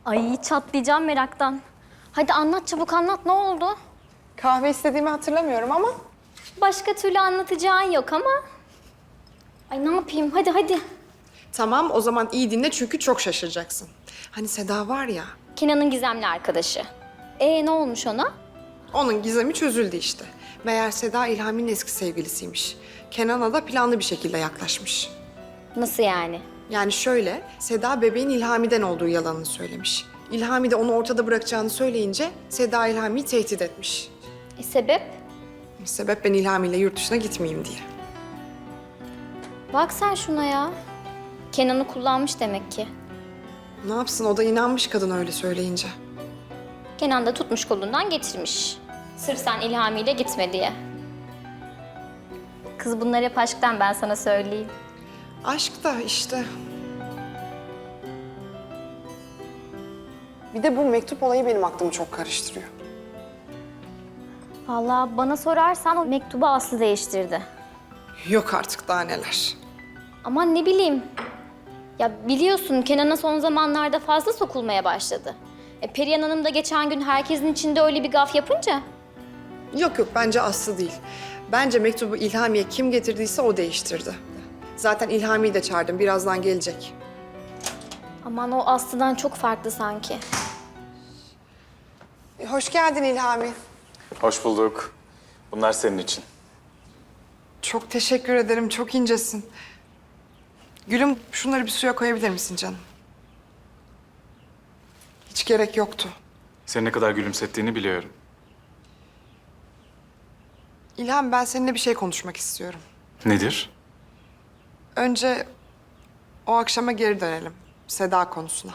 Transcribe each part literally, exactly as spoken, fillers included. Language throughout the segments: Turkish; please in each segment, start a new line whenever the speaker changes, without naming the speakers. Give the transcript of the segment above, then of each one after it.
Ay çatlayacağım meraktan. Hadi anlat çabuk anlat ne oldu?
Kahve istediğimi hatırlamıyorum ama
Başka türlü anlatacağın yok ama. Ay ne yapayım hadi hadi.
tamam o zaman iyi dinle çünkü çok şaşıracaksın. Hani Seda var ya,
Kenan'ın gizemli arkadaşı. Ee ne olmuş ona?
onun gizemi çözüldü işte. Meğer Seda İlhami'nin eski sevgilisiymiş. Kenan'a da planlı bir şekilde yaklaşmış.
Nasıl yani?
Yani şöyle, Seda bebeğin İlhami'den olduğu yalanını söylemiş. İlhami de onu ortada bırakacağını söyleyince Seda İlhami'yi tehdit etmiş.
E, sebep?
Sebep ben İlhami'yle yurt dışına gitmeyeyim diye.
Bak sen şuna ya. Kenan'ı kullanmış demek ki.
Ne yapsın, o da inanmış kadın öyle söyleyince.
Kenan da tutmuş kolundan getirmiş. Sırf sen İlhami'yle gitme diye. Kız bunlar hep aşktan ben sana söyleyeyim.
Aşk da işte. Bir de bu mektup olayı benim aklımı çok karıştırıyor.
Vallahi bana sorarsan o mektubu Aslı değiştirdi.
Yok artık daha neler.
Aman ne bileyim. Ya biliyorsun Kenan'a son zamanlarda fazla sokulmaya başladı. E, Perihan Hanım da geçen gün herkesin içinde öyle bir gaf yapınca.
Yok yok bence Aslı değil. Bence mektubu İlhami'ye kim getirdiyse o değiştirdi. Zaten İlhami'yi de çağırdım. Birazdan gelecek.
Aman o Aslı'dan çok farklı sanki.
Hoş geldin İlhami.
Hoş bulduk. Bunlar senin için.
Çok teşekkür ederim. Çok incesin. Gülüm şunları bir suya koyabilir misin canım? Hiç gerek yoktu.
Seni ne kadar gülümsettiğini biliyorum.
İlham ben seninle bir şey konuşmak istiyorum.
Nedir?
Önce o akşama geri dönelim. Seda konusuna.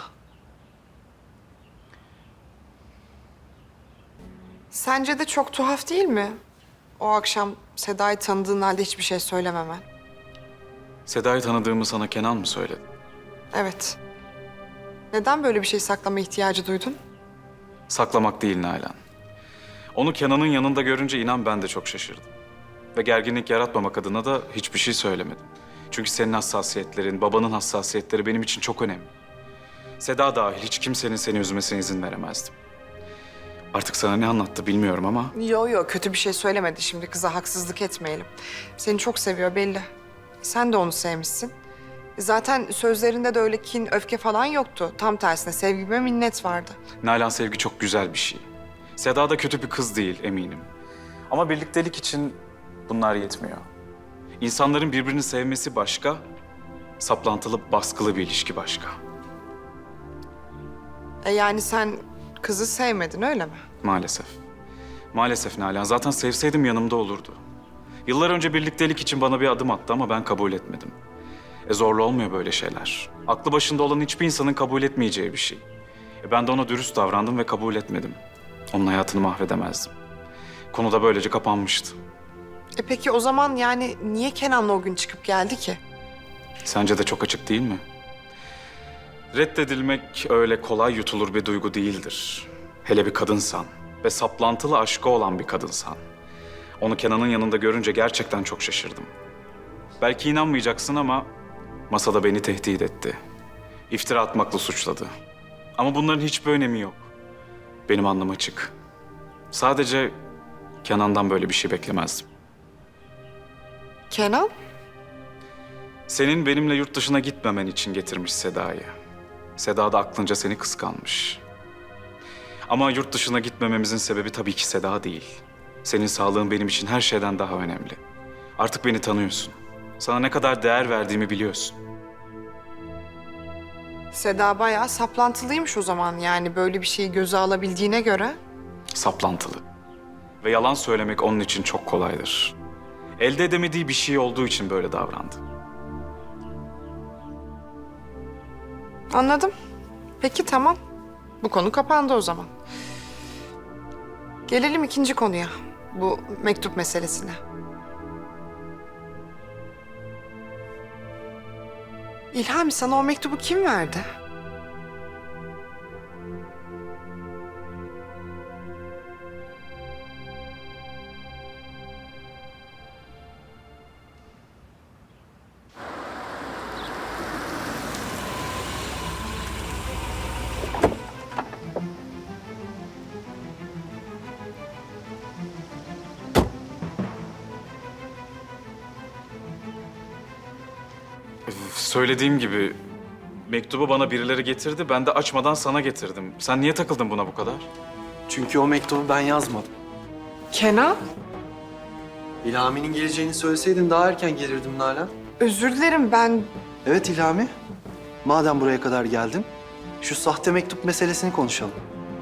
Sence de çok tuhaf değil mi? O akşam Seda'yı tanıdığın halde hiçbir şey söylememen.
Seda'yı tanıdığımı sana Kenan mı söyledi?
Evet. Neden böyle bir şey saklama ihtiyacı duydun?
Saklamak değil Nalan. Onu Kenan'ın yanında görünce inan ben de çok şaşırdım. Ve gerginlik yaratmamak adına da hiçbir şey söylemedim. Çünkü senin hassasiyetlerin, babanın hassasiyetleri benim için çok önemli. Seda dahil hiç kimsenin seni üzmesine izin veremezdim. Artık sana ne anlattı bilmiyorum ama
Yo yo kötü bir şey söylemedi şimdi kıza haksızlık etmeyelim. Seni çok seviyor belli. Sen de onu sevmişsin. Zaten sözlerinde de öyle kin, öfke falan yoktu. Tam tersine sevgi ve minnet vardı.
Nalan sevgi çok güzel bir şey. Seda da kötü bir kız değil eminim. Ama birliktelik için bunlar yetmiyor. İnsanların birbirini sevmesi başka, saplantılı, baskılı bir ilişki başka.
E yani sen kızı sevmedin öyle mi?
Maalesef. Maalesef Nalan. Zaten sevseydim yanımda olurdu. Yıllar önce birliktelik için bana bir adım attı ama ben kabul etmedim. E zorlu olmuyor böyle şeyler. Aklı başında olan hiçbir insanın kabul etmeyeceği bir şey. E ben de ona dürüst davrandım ve kabul etmedim. Onun hayatını mahvedemezdim. Konu da böylece kapanmıştı.
E peki o zaman yani niye Kenan'la o gün çıkıp geldi ki?
Sence de çok açık değil mi? Reddedilmek öyle kolay yutulur bir duygu değildir. Hele bir kadınsan ve saplantılı aşkı olan bir kadınsan. Onu Kenan'ın yanında görünce gerçekten çok şaşırdım. Belki inanmayacaksın ama masada beni tehdit etti. İftira atmakla suçladı. Ama bunların hiçbir önemi yok. Benim alnım açık. Sadece Kenan'dan böyle bir şey beklemezdim.
Kenan?
Senin benimle yurt dışına gitmemen için getirmiş Seda'yı. Seda da aklınca seni kıskanmış. Ama yurt dışına gitmememizin sebebi tabii ki Seda değil. Senin sağlığın benim için her şeyden daha önemli. Artık beni tanıyorsun. Sana ne kadar değer verdiğimi biliyorsun.
Seda bayağı saplantılıymış o zaman yani böyle bir şeyi göze alabildiğine göre.
Saplantılı. Ve yalan söylemek onun için çok kolaydır. Elde edemediği bir şey olduğu için böyle davrandı.
Anladım. Peki tamam. Bu konu kapandı o zaman. Gelelim ikinci konuya. Bu mektup meselesine. İlhami sana o mektubu kim verdi?
Söylediğim gibi mektubu bana birileri getirdi. Ben de açmadan sana getirdim. Sen niye takıldın buna bu kadar?
Çünkü o mektubu ben yazmadım.
Kenan,
İlhami'nin geleceğini söyleseydin daha erken gelirdim Nalan.
özür dilerim ben...
Evet İlhami. Madem buraya kadar geldin, şu sahte mektup meselesini konuşalım.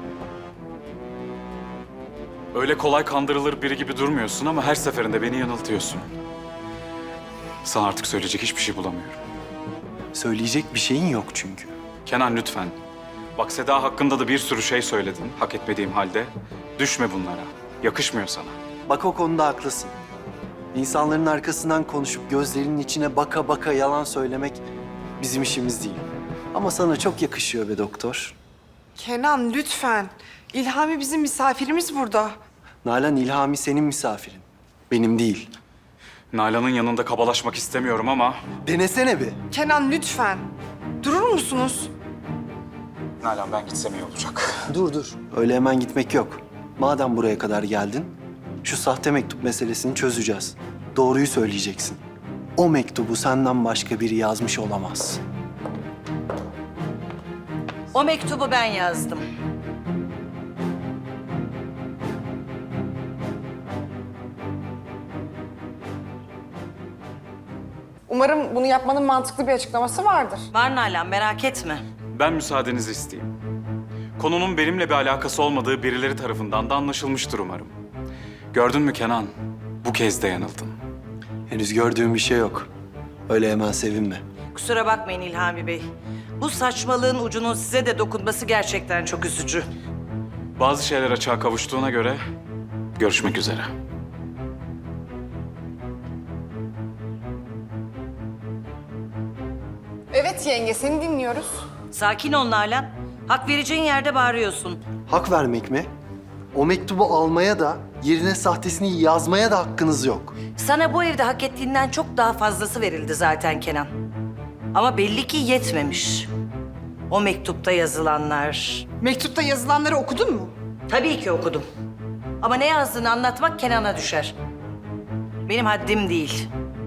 Öyle kolay kandırılır biri gibi durmuyorsun ama her seferinde beni yanıltıyorsun. Sana artık söyleyecek hiçbir şey bulamıyorum.
Söyleyecek bir şeyin yok çünkü.
Kenan lütfen. Bak Seda hakkında da bir sürü şey söyledin hak etmediğim halde. Düşme bunlara. Yakışmıyor sana.
Bak o konuda haklısın. İnsanların arkasından konuşup gözlerinin içine baka baka yalan söylemek bizim işimiz değil. Ama sana çok yakışıyor be doktor.
Kenan lütfen. İlhami bizim misafirimiz burada.
Nalan, İlhami senin misafirin. Benim değil.
Nalan'ın yanında kabalaşmak istemiyorum ama...
Denesene bir.
Kenan lütfen. Durur musunuz?
Nalan ben gitsem iyi olacak.
Dur dur. Öyle hemen gitmek yok. Madem buraya kadar geldin, şu sahte mektup meselesini çözeceğiz. Doğruyu söyleyeceksin. O mektubu senden başka biri yazmış olamaz.
O mektubu ben yazdım.
Umarım bunu yapmanın mantıklı bir açıklaması vardır.
Var Nalan, merak etme.
Ben müsaadenizi isteyeyim. Konunun benimle bir alakası olmadığı birileri tarafından da anlaşılmıştır umarım. Gördün mü Kenan? Bu kez de yanıldın.
Henüz gördüğüm bir şey yok. Öyle hemen sevinme.
Kusura bakmayın İlhami Bey. Bu saçmalığın ucunun size de dokunması gerçekten çok üzücü.
Bazı şeyler açığa kavuştuğuna göre görüşmek üzere.
Evet yenge, seni dinliyoruz.
Sakin ol Nalan. Hak vereceğin yerde bağırıyorsun.
Hak vermek mi? O mektubu almaya da, yerine sahtesini yazmaya da hakkınız yok.
Sana bu evde hak ettiğinden çok daha fazlası verildi zaten Kenan. Ama belli ki yetmemiş. O mektupta yazılanlar...
Mektupta yazılanları okudun mu?
Tabii ki okudum. Ama ne yazdığını anlatmak Kenan'a düşer. Benim haddim değil.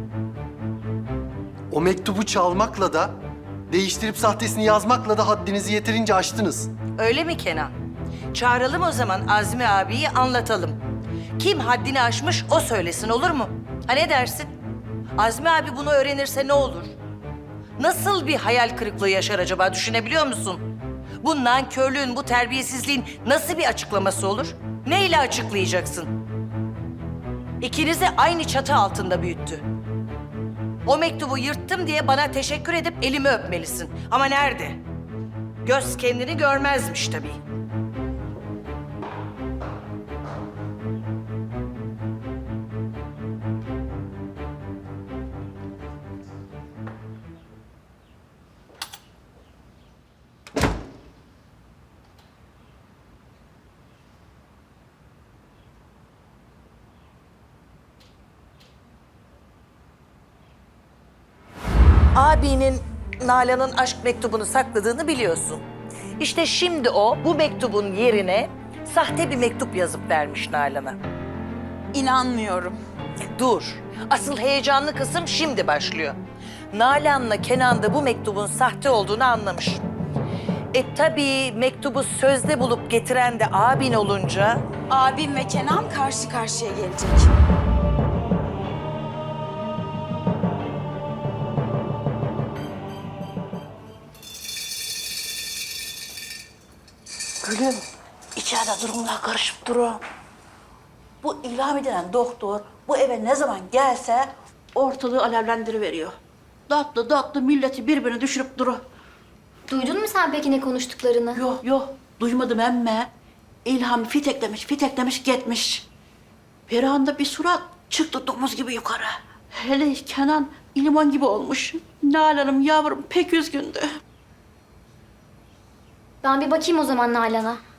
O mektubu çalmakla da, değiştirip sahtesini yazmakla da haddinizi yeterince aştınız.
Öyle mi Kenan? Çağıralım o zaman Azmi abiyi anlatalım. Kim haddini aşmış o söylesin, olur mu? Ha ne dersin? Azmi abi bunu öğrenirse ne olur? Nasıl bir hayal kırıklığı yaşar acaba, düşünebiliyor musun? Bu nankörlüğün, bu terbiyesizliğin nasıl bir açıklaması olur? Neyle açıklayacaksın? İkinizi aynı çatı altında büyüttü. O mektubu yırttım diye bana teşekkür edip elimi öpmelisin. Ama nerede? Göz kendini görmezmiş tabii. Abinin Nalan'ın aşk mektubunu sakladığını biliyorsun. İşte şimdi o bu mektubun yerine sahte bir mektup yazıp vermiş Nalan'a.
İnanmıyorum.
Dur. Asıl heyecanlı kısım şimdi başlıyor. Nalan'la Kenan da bu mektubun sahte olduğunu anlamış. E tabii mektubu sözde bulup getiren de abin olunca...
Abim ve Kenan karşı karşıya gelecek.
Gülüm, içeride durumlar karışıp durur. Bu İlhami denen doktor bu eve ne zaman gelse ortalığı alevlendiriveriyor. Tatlı tatlı milleti birbirine düşürüp durur.
Duydun mu sen peki ne konuştuklarını?
Yok yok, duymadım emme. İlhami fiteklemiş, fiteklemiş gitmiş. Perihan'da bir surat çıktı domuz gibi yukarı. Hele Kenan limon gibi olmuş. Nalan'ım yavrum pek üzgündü.
Ben bir bakayım o zaman Nalan'a.